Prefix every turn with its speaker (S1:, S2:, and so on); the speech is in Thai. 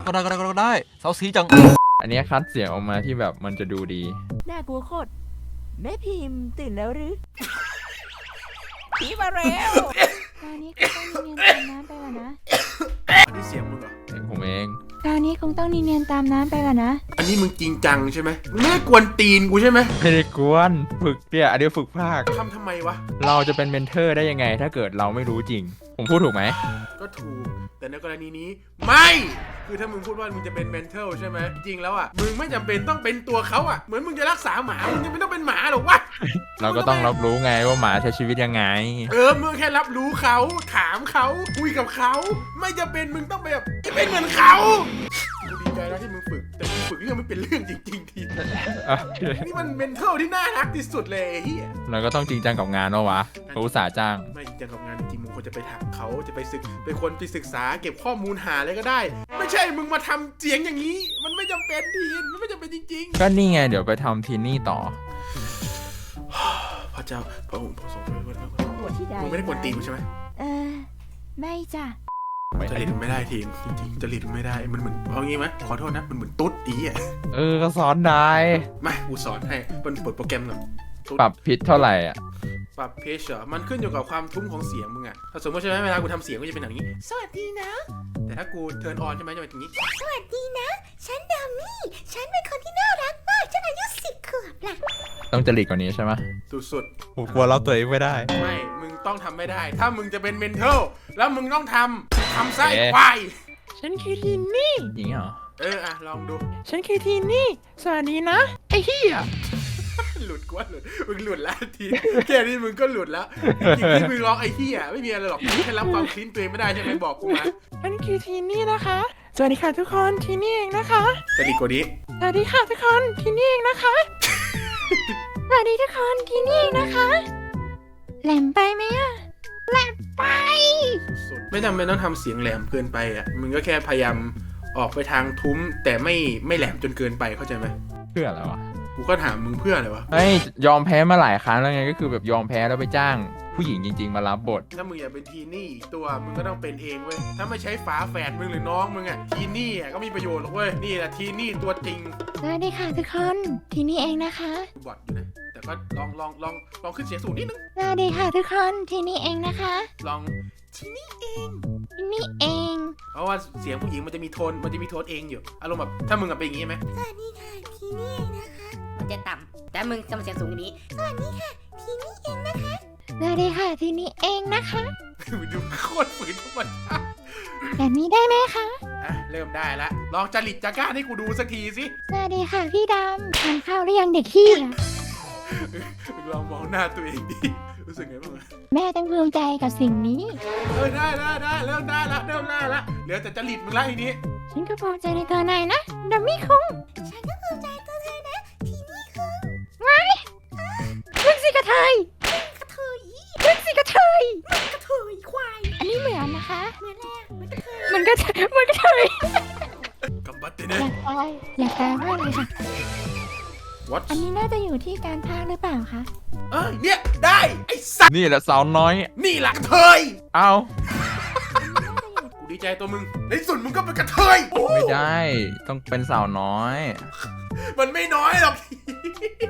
S1: ก็ได้เซาซีจัง
S2: อันนี้คัดเสียงออกมาที่แบบมันจะดูดี
S3: น่ากลัวโคตรแม่พิมพ์ตื่นแล้วหรือผีมาแล้วคราวนี้คงต้องเนียนตามน้ำไปก่อนนะ
S4: อันนี้เสียงมึงเหรอ
S2: เสียงผมเอง
S3: คราวนี้คงต้องเนียนตามน้ำไปก่อนนะ
S4: อันนี้มึงจริงจังใช่ไหมมึงไม่ได้กวนตีนกูใช่ไหม
S2: ไม่ได้กวนฝึกเนี่ยอันนี้ฝึกภาค
S4: ทำไมวะ
S2: เราจะเป็นเมนเทอร์ได้ยังไงถ้าเกิดเราไม่รู้จริงผมพูดถูกไหม
S4: ก็ถูกแต่ในกรณีนี้ไม่คือถ้ามึงพูดว่ามึงจะเป็น mental ใช่ไหมจริงแล้วอ่ะมึงไม่จำเป็นต้องเป็นตัวเขาอ่ะเหมือนมึงจะรักษาหมามึงยังไม่ต้องเป็นหมาหรอกวะ
S2: เราก็ต้องรับรู้ไงว่าหมาใช้ชีวิตยังไง
S4: มึงแค่รับรู้เขาถามเขาคุยกับเขาไม่จำเป็นมึงต้องไปแบบเป็นเหมือนเขากูดีใจนะที่มึงฝึกแต่มึงฝึกเรื่องไม่เป็นเรื่องจริงๆทีนี่มัน mental ที่น่ารักที่สุดเลยเฮีย
S2: เราก็ต้องจริงจังกับงานวะเขาอุตส่าห์จ้าง
S4: ไม่จริงจังกับงานจริงมึงควรจะไปถามเขาจะไปคนไปศึกษาเก็บข้อมูลหาอะไรก็ได้ไม่ใช่มึงมาทำเสียงอย่างนี้มันไม่จำเป็นทีนมันไม่จำเป็นจริง
S2: ๆก็นี่ไงเดี๋ยวไปทำทีนี่ต่อ
S4: พระเจ้าพระองค์พระทรงช่วยมึงไม่ได้กวนตีนใช่ไหม
S3: ไม่จ้ะ
S4: จริตไม่ได้ทีมจริงๆจริตไม่ได้มันเหมือนเอางี้ไหมขอโทษนะมันเหมือนตุ๊ดอีอ่ะ
S2: ก็สอนได้
S4: มากูสอนให้เปิดโปรแกรมหน่อย
S2: ปรับพิชเท่าไหร่อ่ะ
S4: ปรับเพชเหรอมันขึ้นอยู่กับความทุ้มของเสียงมึงอ่ะถ้าสมมติใช่ไหมเวลากูทำเสียงก็จะเป็นอย่างนี้สวัสดีนะแต่ถ้ากูเทิร์นออนใช่ไหมจะเป็นอย่างนี้
S3: สวัสดีนะฉันดัมมี่ฉันเป็นคนที่น่ารักมากฉันอายุ10 ขวบล่ะ
S2: ต้องจริตกว่านี้ใช่ไหม
S4: สุด
S2: ๆผมกลัวเราตัวเองไม่ได้
S4: ไม่มึงต้องทำไม่ได้ถ้ามึงจะเป็นเมนเทลแล้วมึงต้องทำไส้ควาย
S2: ฉันคือทีนี่อย่างนี้เหรอ
S4: ลองดู
S2: ฉันคือทีนี่สวัสดีนะไอ้เหี้ย
S4: หลุดมึงหลุดแล้วทีแค่นี้มึงก็หลุดแล้วจริงๆมึงร้องไอ้เหี้ยไม่มีอะไรหรอกแค่รับความคลิ้นตัวเองไม่ได้ใช่ไหมบอกกูมา
S2: ฉันคือทีนี่นะคะสวัสดีค่ะทุกคนทีนี่เองนะคะ
S4: จะดีกว่านี้
S2: สวัสดีค่ะทุกคนทีนี่เองนะคะสวัสดีทุกคนทีนี่เองนะคะแหลมไปไหมอะแหลมไป
S4: ไม่จำเป็นต้องทำเสียงแหลมเกินไปอ่ะมึงก็แค่พยายามออกไปทางทุ้มแต่ไม่แหลมจนเกินไปเข้าใจไหม
S2: เพื่ออะไรวะ
S4: กูก็ถามมึงเพื่ออะไรวะ
S2: ยอมแพ้มาหลายครั้งแล้วไงก็คือแบบยอมแพ้แล้วไปจ้างผู้หญิงจริงๆมารับบท
S4: ถ้ามึงอยากเป็นทีนี่ตัวมึงก็ต้องเป็นเองเว้ยถ้าไม่ใช้ฝาแฝดมึงหรือน้องมึงอ่ะทีนี่ก็มีประโยชน์หรอกเว้ยนี่แหละทีนี่ตัวจริง
S3: สวัสดีค่ะทุกคนทีนี่เองนะคะ
S4: บอดอยู่นะแต่ก็ลองขึ้นเสียงสูงนิดนึง
S3: สวัสดีค่ะทุกคนทีนี่เองนะคะ
S4: ลองทีนี่เอง
S3: ทีนี่เอง
S4: เพราะว่าเสียงผู้หญิงมันจะมีโทนเองอยู่อารมณ์แบบถ้ามึงเป็นอย่างงี้ไหม
S3: สวัสดีค่ะทีนี่เองนะคะมันจะต่ำแต่มึงจะมาเสียงสูงอย่างนี้สวัสดีค่ะทีนี่เองนะคะสวัสดีค่ะทีนี่เองนะคะ
S4: มึงดูโคตรฝืนทุกคน
S3: แบบนี้ได้ไหมคะ
S4: เริ่มได้ละลองจริตจาก้าให้กูดูสักทีสิ
S3: สวัสดีค่ะพี่ดำทานข้าวหรือยังเด็กขี้
S4: ลองมองหน้าตัวเองดิรู้สึกไงบ้าง
S3: แม่ต้องภูมิใจกับสิ่งนี้
S4: ได้เริ่มได้ละเหลือแต่จริตมึงละอีนี้
S3: ฉันก็ภูมิใจในตัวนายนะดัมมี่คุงฉันก็ภูมิใจตัวเธอนะทีนี่คุงไว้มึงสิกระเทยมึงสิกระเทยควายอันนี้เหมือนนะคะเหมือนแล้วมันกระเทย
S4: กำบัดเตเน่
S3: อยากแปลว่าอะไรคะอันนี้น่าจะอยู่ที่การพากย์หรือเปล่าคะ
S4: เนี่ยได้ไอ้สัตว์
S2: นี่แหละสาวน้อย
S4: นี่หลักเทย
S2: เอา
S4: กูดีใจตัวมึงในสุดมึงก็เป็นกระเทย
S2: ไม่ได้ต้องเป็นสาวน้อย
S4: มันไม่น้อยหรอก